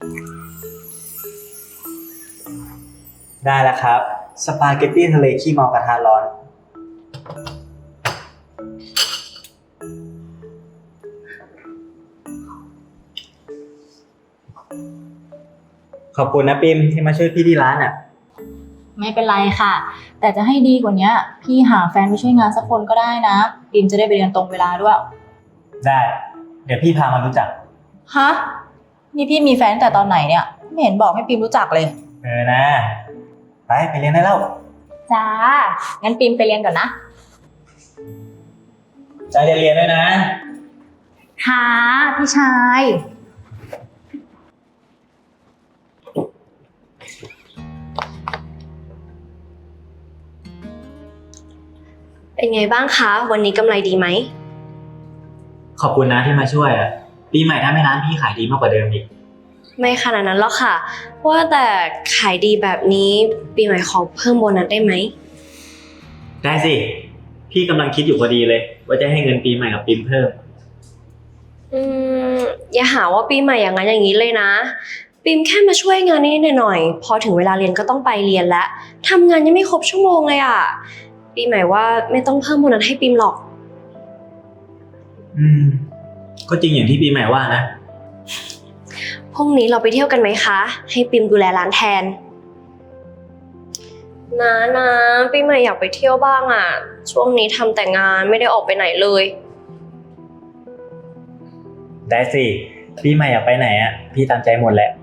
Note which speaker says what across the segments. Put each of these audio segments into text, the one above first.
Speaker 1: ได้แล้วครับสปาเกตตี้ทะเลขี้เมากระทะร้อนขอบคุณนะปิมที่มาช่วยพี่ที่ร้านอ่ะ
Speaker 2: ไม่เป็นไรค่ะแต่จะให้ดีกว่านี้พี่หาแฟนไปช่วยงานสักคนก็ได้นะปิมจะได้ไปเรียนตรงเวลาด้วย
Speaker 1: ได้เดี๋ยวพี่พามารู้จัก
Speaker 2: ฮะนี่พี่มีแฟนแต่ตอนไหนเนี่ยไม่เห็นบอกให้ปิมรู้จักเลย
Speaker 1: นะไปเรียนได้แล้ว
Speaker 2: จ้างั้นปิมไปเรียนก่อนนะ
Speaker 1: ใจเรียนด้วยนะ
Speaker 2: ค่ะพี่ชาย
Speaker 3: เป็นไงบ้างคะวันนี้กำไรดีไหม
Speaker 1: ขอบคุณนะที่มาช่วยอ่ะปีใหม่ถ้าไม่ร้านพี่ขายดีมากกว่าเดิมอีก
Speaker 3: ไม่ขนาดนั้นหรอกค่ะว่าแต่ขายดีแบบนี้ปีใหม่ขอเพิ่มโบนัสได้ไหม
Speaker 1: ได้สิพี่กำลังคิดอยู่พอดีเลยว่าจะให้เงินปีใหม่กับปิมเพิ่ม
Speaker 3: อย่าหาว่าปีใหม่อย่างนั้นอย่างนี้เลยนะปิมแค่มาช่วยงานนิดหน่อยพอถึงเวลาเรียนก็ต้องไปเรียนแล้วทำงานยังไม่ครบชั่วโมงเลยอ่ะปีใหม่ว่าไม่ต้องเพิ่มโบนัสให้ปิมหรอก
Speaker 1: ก็จริงอย่างที่ปีใหม่ว่านะ
Speaker 3: พรุ่งนี้เราไปเที่ยวกันไหมคะให้ปิมดูแลร้านแทนนะปีใหม่อยากไปเที่ยวบ้างอ่ะช่วงนี้ทำแต่งานไม่ได้ออกไปไหนเลย
Speaker 1: ได้สิปีใหม่อยากไปไหนอ่ะพี่ตามใจหมดแหละ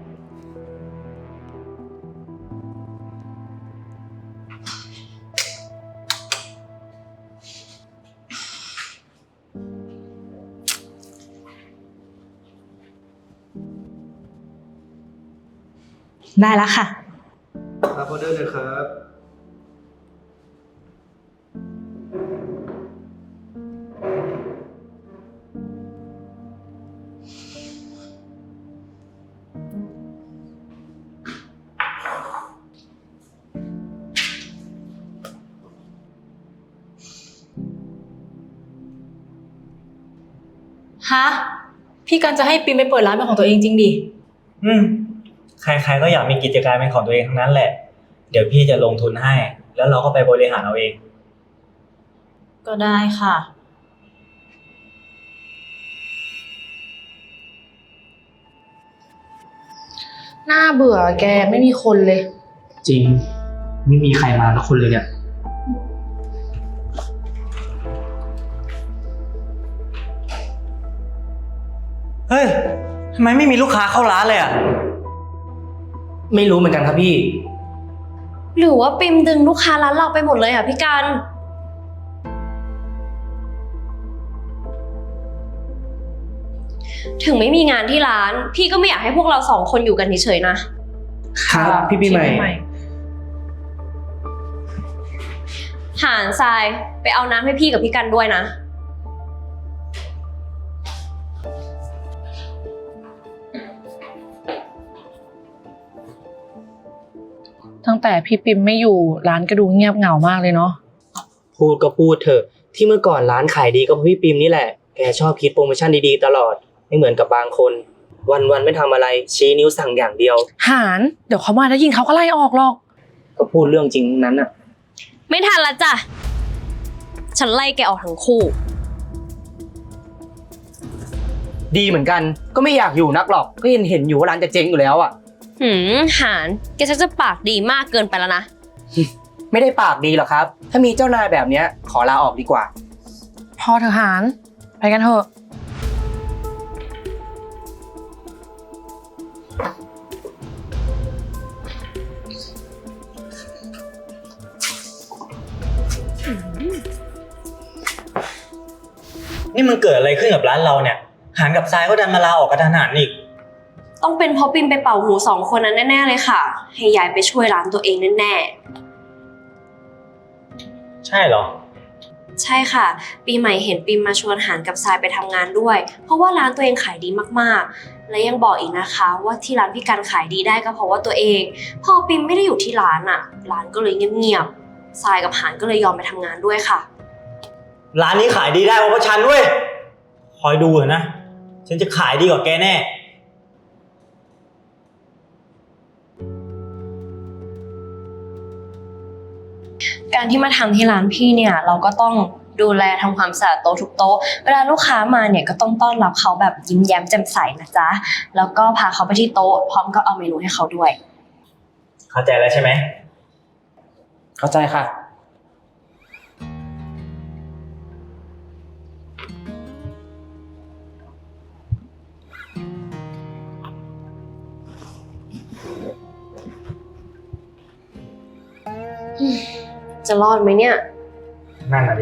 Speaker 2: ได้แล้วค่ะ
Speaker 4: รับออเดอร์เลยครับ
Speaker 2: ฮะพี่กันจะให้ปิมไปเปิดร้านเป็นของตัวเองจริงดิ
Speaker 1: ใครๆก็อยากมีกิจการเป็นของตัวเองทั้งนั้นแหละเดี๋ยวพี่จะลงทุนให้แล้วเราก็ไปบริหารเอาเอง
Speaker 2: ก็ได้ค่ะ
Speaker 5: น่าเบื่อแกไม่มีคนเลย
Speaker 1: จริงไม่มีใครมาสักคนเลยเนี่ยเฮ้ยทำไมไม่มีลูกค้าเข้าร้านเลยอ่ะ
Speaker 4: ไม่รู้เหมือนกันครับพี่
Speaker 3: หรือว่าปิมดึงลูกค้าร้านเราไปหมดเลยอ่ะพี่กันถึงไม่มีงานที่ร้านพี่ก็ไม่อยากให้พวกเรา2 คนอยู่กันเฉยๆนะครับ
Speaker 4: พี่ปีใหม่
Speaker 3: หานทรายไปเอาน้ำให้พี่กับพี่กันด้วยนะ
Speaker 5: ตั้งแต่พี่ปิมไม่อยู่ร้านก็ดูเงียบเหงามากเลยเนาะ
Speaker 4: พูดก็พูดเถอะที่เมื่อก่อนร้านขายดีก็เพราะพี่ปิมนี่แหละแกชอบคิดโปรโมชั่นดีๆตลอดไม่เหมือนกับบางคนวันๆไม่ทำอะไรชี้นิ้วสั่งอย่างเดียว
Speaker 5: หานเดี๋ยวเขามาได้ยินเขาก็ไล่ออกหรอก
Speaker 4: ก็พูดเรื่องจริงนั้นน่ะ
Speaker 3: ไม่ทันละจ้ะฉันไล่แกออกทั้งคู่
Speaker 4: ดีเหมือนกันก็ไม่อยากอยู่นักหรอกก็เห็นอยู่ว่าร้านจะเจ๊งอยู่แล้วอ่ะ
Speaker 3: หานแกชักจะปากดีมากเกินไปแล้วนะ
Speaker 4: ไม่ได้ปากดีหรอกครับถ้ามีเจ้านายแบบเนี้ยขอลาออกดีกว่า
Speaker 5: พอเถอะหานไปกันเถอะ
Speaker 1: นี่มันเกิดอะไรขึ้นกับร้านเราเนี่ยหานกับทรายก็ดันมาลาออกกระทันหันอีก
Speaker 3: ต้องเป็นเพราะปิมไปเป่าหู2 คนนั้นแน่ๆเลยค่ะให้ยายไปช่วยร้านตัวเองแน่
Speaker 1: ใช่เหรอ
Speaker 3: ใช่ค่ะปีใหม่เห็นปิมมาชวนหานกับทรายไปทำงานด้วยเพราะว่าร้านตัวเองขายดีมากๆและยังบอกอีกนะคะว่าที่ร้านพี่กันขายดีได้ก็เพราะว่าตัวเองพอปิมไม่ได้อยู่ที่ร้านอ่ะร้านก็เลยเงียบๆทรายกับหานก็เลยยอมไปทำงานด้วยค่ะ
Speaker 1: ร้านนี้ขายดีได้เพราะฉันเว้ยคอยดูเถอะนะฉันจะขายดีกว่าแกแน่
Speaker 3: การที่มาทำที่ร้านพี่เนี่ยเราก็ต้องดูแลทำความสะอาดโต๊ะทุกโต๊ะเวลาลูกค้ามาเนี่ยก็ต้องต้อนรับเขาแบบยิ้มแย้มแจ่มใสนะจ๊ะแล้วก็พาเขาไปที่โต๊ะพร้อมกับเอาเมนูให้เขาด้วย
Speaker 1: เข้าใจแล้วใช่ไหม
Speaker 4: เข้าใจค่ะ
Speaker 3: จะรอดไหมเนี่ย
Speaker 1: นั่นน่ะดิ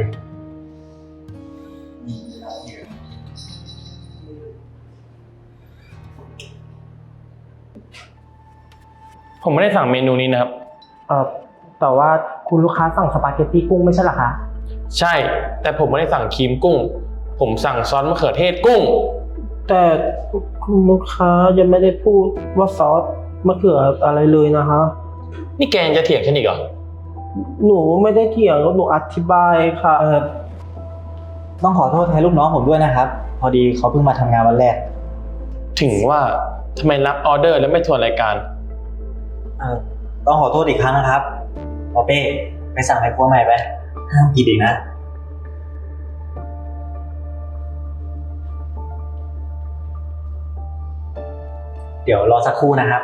Speaker 6: ผมไม่ได้สั่งเมนูนี้นะครับ
Speaker 4: แต่ว่าคุณลูกค้าสั่งสปาเกตตี้กุ้งไม่ใช่เหรอคะ
Speaker 6: ใช่ แต่ผมไม่ได้สั่งครีมกุ้ง ผมสั่งซอสมะเขือเทศกุ้ง
Speaker 7: แต่คุณลูกค้ายังไม่ได้พูดว่าซอสมะเขืออะไรเลยนะคะ
Speaker 6: นี่แกยังจะเถียงฉันอีกเหรอ
Speaker 7: หนูไม่ได้เถียงหนูอธิบายค่ะ
Speaker 1: ต้องขอโทษแทนลูกน้องผมด้วยนะครับ พอดีเขาเพิ่งมาทำงานวันแรก
Speaker 6: ถึงว่าทำไมรับออเดอร์แล้วไม่ทวนรายการ
Speaker 1: ต้องขอโทษอีกครั้งนะครับปอเป้ไปสั่งไอ้ครัวใหม่ไปห้ามผิดอีกนะ เดี๋ยวรอสักครู่นะครับ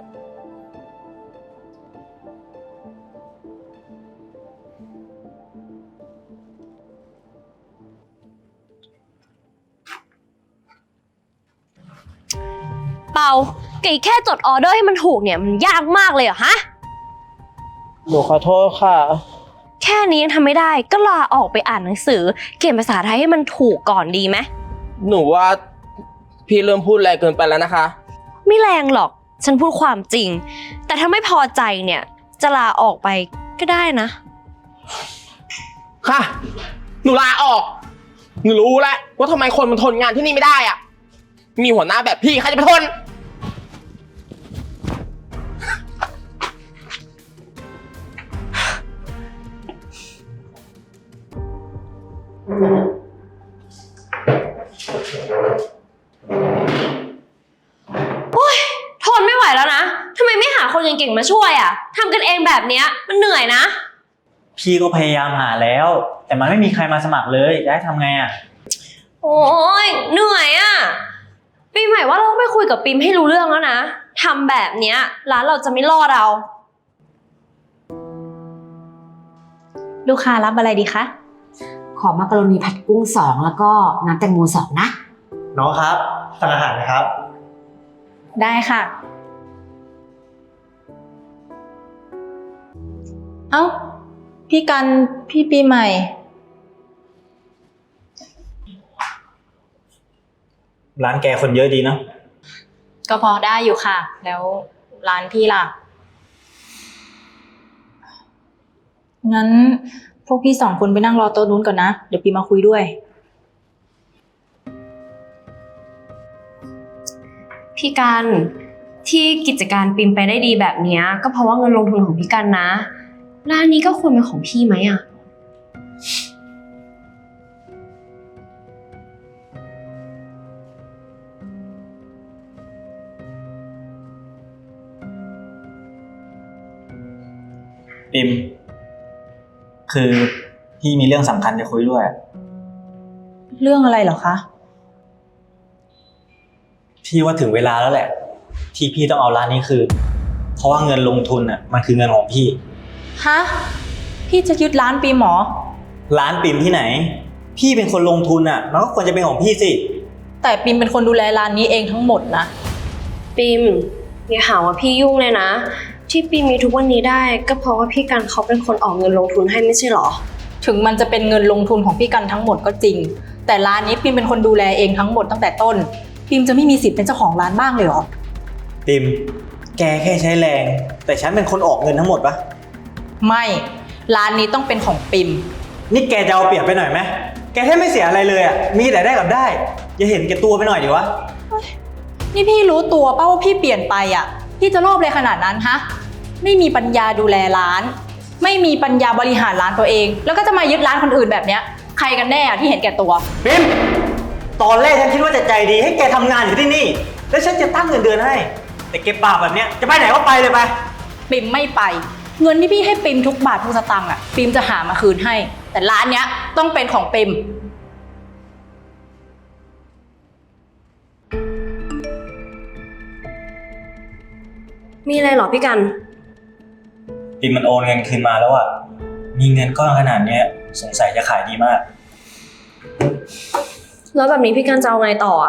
Speaker 3: เปาแกแค่จดออเดอร์ให้มันถูกเนี่ยมันยากมากเลยเหรอฮะ
Speaker 7: หนูขอโทษค่ะ
Speaker 3: แค่นี้ยังทำไม่ได้ก็ลาออกไปอ่านหนังสือเขียนภาษาไทยให้มันถูกก่อนดีไหม
Speaker 7: หนูว่าพี่เริ่มพูดแรงเกินไปแล้วนะคะ
Speaker 3: ไม่แรงหรอกฉันพูดความจริง แต่ถ้าไม่พอใจเนี่ยจะลาออกไปก็ได้นะ
Speaker 7: ค่ะ หนูลาออก หนูรู้แล้วว่าทำไมคนมันทนงานที่นี่ไม่ได้อะมีหัวหน้าแบบพี่ใครจะไปทน
Speaker 3: ทนไม่ไหวแล้วนะทำไมไม่หาคนเก่งๆมาช่วยอ่ะทำกันเองแบบเนี้ยมันเหนื่อยนะ
Speaker 1: พี่ก็พยายามหาแล้ว แต่มันไม่มีใครมาสมัครเลยจะให้ทำไงอ่ะ
Speaker 3: โอ้ยเหนื่อยอ่ะปีใหม่ว่าเราต้องไปคุยกับปิมให้รู้เรื่องแล้วนะทำแบบเนี้ยร้านเราจะไม่รอดเรา
Speaker 2: ลูกค้ารับอะไรดีคะ
Speaker 8: ขอมักกะโรนีผัดกุ้ง2แล้วก็น้ำแตงโม2นะ
Speaker 1: น้องครับสั่งอาหารนะครับ
Speaker 2: ได้ค่ะ เอ้า พี่กัน พี่ปีใหม่
Speaker 1: ร้านแกคนเยอะดีเนาะ
Speaker 2: ก็พอได้อยู่ค่ะ แล้วร้านพี่ล่ะ งั้นพวกพี่2 คนไปนั่งรอโต๊ะนู้นก่อนนะ เดี๋ยวปีมาคุยด้วย
Speaker 3: พี่กันที่กิจการปิมไปได้ดีแบบเนี้ยก็เพราะว่าเงินลงทุนของพี่กันนะร้านนี้ก็ควรเป็นของพี่ไหมอ่ะ
Speaker 1: ปิมคือพี่มีเรื่องสำคัญจะคุยด้วย
Speaker 2: เรื่องอะไรเหรอคะ
Speaker 1: พี่ว่าถึงเวลาแล้วแหละ ที่พี่ต้องเอาร้านนี้คืนเพราะว่าเงินลงทุนอ่ะมันคือเงินของพี่
Speaker 2: ฮะ พี่จะยึดร้านปีหมอ
Speaker 1: ร้านปิมที่ไหน พี่เป็นคนลงทุนอ่ะมันก็ควรจะเป็นของพี่สิ
Speaker 2: แต่ปิมเป็นคนดูแลร้านนี้เองทั้งหมดนะ
Speaker 3: ปิมอย่าหาว่าพี่ยุ่งเลยนะที่ปิมมีทุกวันนี้ได้ก็เพราะว่าพี่กันเขาเป็นคนออกเงินลงทุนให้ไม่ใช่หรอ
Speaker 2: ถึงมันจะเป็นเงินลงทุนของพี่กันทั้งหมดก็จริง แต่ร้านนี้ปิมเป็นคนดูแลเองทั้งหมดตั้งแต่ต้นปิมจะไม่มีสิทธิ์เป็นเจ้าของร้านบ้างเลยเหรอ
Speaker 1: ปิมแกแค่ใช้แรง แต่ฉันเป็นคนออกเงินทั้งหมดปะ
Speaker 2: ไม่ ร้านนี้ต้องเป็นของปิม
Speaker 1: นี่แกจะเอาเปรียบไปหน่อยไหมแกแทบไม่เสียอะไรเลยอ่ะมีแต่ได้กับได้อย่าเห็นแกตัวไปหน่อยดิวะ
Speaker 2: นี่พี่รู้ตัวป่ะว่าพี่เปลี่ยนไปอ่ะ พี่จะโลภเลยขนาดนั้นฮะ ไม่มีปัญญาดูแลร้าน ไม่มีปัญญาบริหารร้านตัวเอง แล้วก็จะมายึดร้านคนอื่นแบบเนี้ย ใครกันแน่อะที่เห็นแก่ตัว
Speaker 1: ปิมตอนแรกฉันคิดว่าจะใจดีให้แกทำงานอยู่ที่นี่ แล้วฉันจะตั้งเงินเดือนให้ แต่แกปากแบบเนี้ยจะไปไหนก็ไปเลยไป
Speaker 2: ปิมไม่ไปเงินที่พี่ให้ปิมทุกบาททุกสตางค์อ่ะปิมจะหามาคืนให้ แต่ร้านเนี้ยต้องเป็นของปิม
Speaker 3: มีอะไรเหรอพี่กัน
Speaker 1: ปิมมันโอนเงินคืนมาแล้วอ่ะ มีเงินก้อนขนาดเนี้ยสงสัยจะขายดีมาก
Speaker 3: แล้วแบบนี้พี่กันจะเอาไงต่ออะ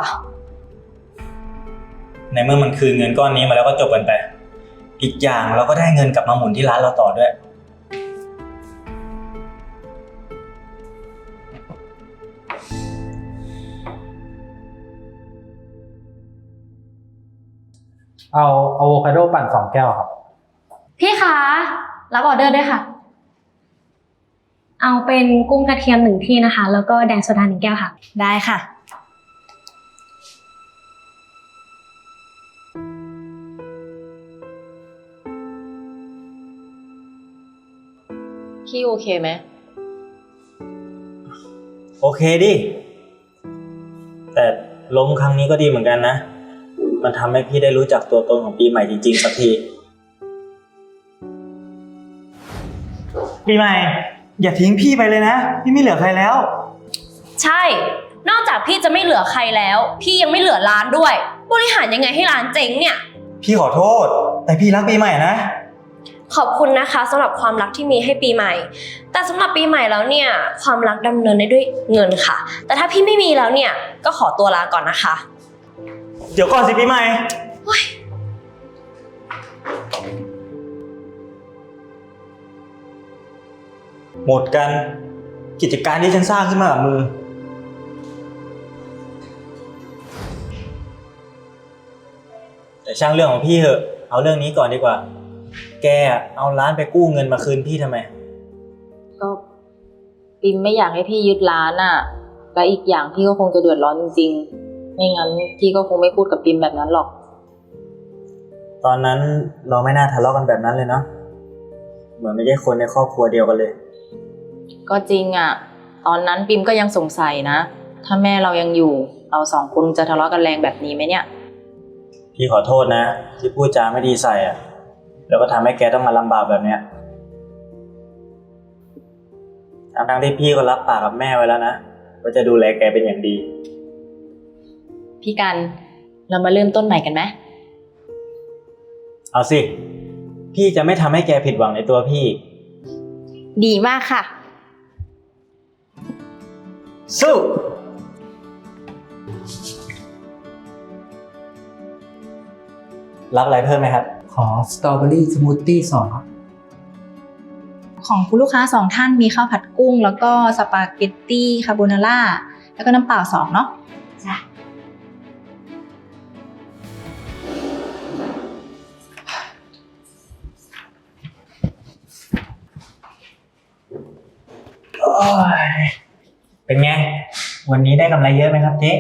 Speaker 1: ในเมื่อมันคืนเงินก้อนนี้มาแล้วก็จบกันไป อีกอย่างเราก็ได้เงินกลับมาหมุนที่ร้านเราต่อด้วย
Speaker 9: เอาอะโวคาโดปั่น2 แก้วครับ
Speaker 3: พี่คะรับออเดอร์ด้วยค่ะ เอาเป็นกุ้งกระเทียม1 ที่นะคะ แล้วก็แดงโซดา1 แก้วค่ะ
Speaker 2: ได้ค่ะ
Speaker 5: พี่โอเคไหม
Speaker 1: โอเคดิ แต่ล้มครั้งนี้ก็ดีเหมือนกันนะ มันทำให้พี่ได้รู้จักตัวตนของปีใหม่จริงๆสักที ปีใหม่ อย่าทิ้งพี่ไปเลยนะ พี่ไม่เหลือใครแล้ว
Speaker 3: ใช่ นอกจากพี่จะไม่เหลือใครแล้ว พี่ยังไม่เหลือร้านด้วย บริหารยังไงให้ร้านเจ๊งเนี่ย
Speaker 1: พี่ขอโทษ แต่พี่รักปีใหม่นะ
Speaker 3: ขอบคุณนะคะสำหรับความรักที่มีให้ปีใหม่ แต่สำหรับปีใหม่แล้วเนี่ยความรักดำเนินได้ด้วยเงินค่ะ แต่ถ้าพี่ไม่มีแล้วเนี่ยก็ขอตัวลาก่อนนะคะ
Speaker 1: เดี๋ยวก่อนสิปีใหม่ หมดกัน กิจการที่ฉันสร้างขึ้นมากับมือ แต่ช่างเรื่องของพี่เถอะ เอาเรื่องนี้ก่อนดีกว่า แกเอาร้านไปกู้เงินมาคืนพี่ทำไม
Speaker 10: ก็ปิมไม่อยากให้พี่ยึดร้านอ่ะ และอีกอย่างพี่ก็คงจะเดือดร้อนจริงๆ ไม่งั้นพี่ก็คงไม่พูดกับปิมแบบนั้นหรอก
Speaker 1: ตอนนั้นเราไม่น่าทะเลาะกันแบบนั้นเลยเนาะ เหมือนไม่ใช่คนในครอบครัวเดียวกันเลย
Speaker 10: ก็จริงอ่ะ ตอนนั้นปิมก็ยังสงสัยนะ ถ้าแม่เรายังอยู่ เรา2 คนจะทะเลาะกันแรงแบบนี้ไหมเนี่ย
Speaker 1: พี่ขอโทษนะ ที่พูดจาไม่ดีใส่อะแล้วก็ทำให้แกต้องมาลำบากแบบเนี้ยทั้งที่พี่ก็รับปากกับแม่ไว้แล้วนะว่าจะดูแลแกเป็นอย่างดี
Speaker 10: พี่กัน เรามาเริ่มต้นใหม่กันไหม
Speaker 1: เอาสิ พี่จะไม่ทำให้แกผิดหวังในตัวพี่
Speaker 2: ดีมากค่ะ
Speaker 1: สู้ รับอะไรเพิ่มไหมครับ
Speaker 9: ขอสตรอเบอรี่สมูทตี้2 ครับ
Speaker 2: ของคุณลูกค้า2 ท่านมีข้าวผัดกุ้ง แล้วก็สปาเกตตี้คาโบนาร่าแล้วก็น้ำเปล่า2เนาะ
Speaker 8: จ้ะ
Speaker 1: เป็นไง วันนี้ได้กำไรเยอะไหมครับเจ๊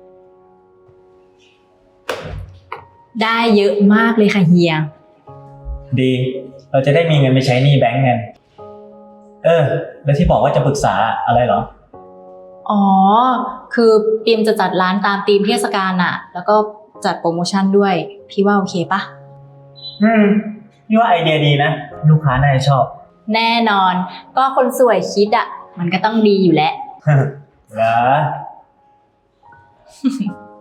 Speaker 2: ได้เยอะมากเลยค่ะเฮีย
Speaker 1: ดี เราจะได้มีเงินไปใช้หนี้แบงก์กัน แล้วที่บอกว่าจะปรึกษาอะไรเหรอ
Speaker 10: อ๋อ คือปิมจะจัดร้านตามธีมเทศกาลอ่ะ แล้วก็จัดโปรโมชั่นด้วย พี่ว่าโอเคปะ
Speaker 1: พี่ว่าไอเดียดีนะ ลูกค้าน่าจะชอบ
Speaker 10: แน่นอน ก็คนสวยคิดอ่ะ มันก็ต้องดีอยู่แล้ว
Speaker 1: เหรอ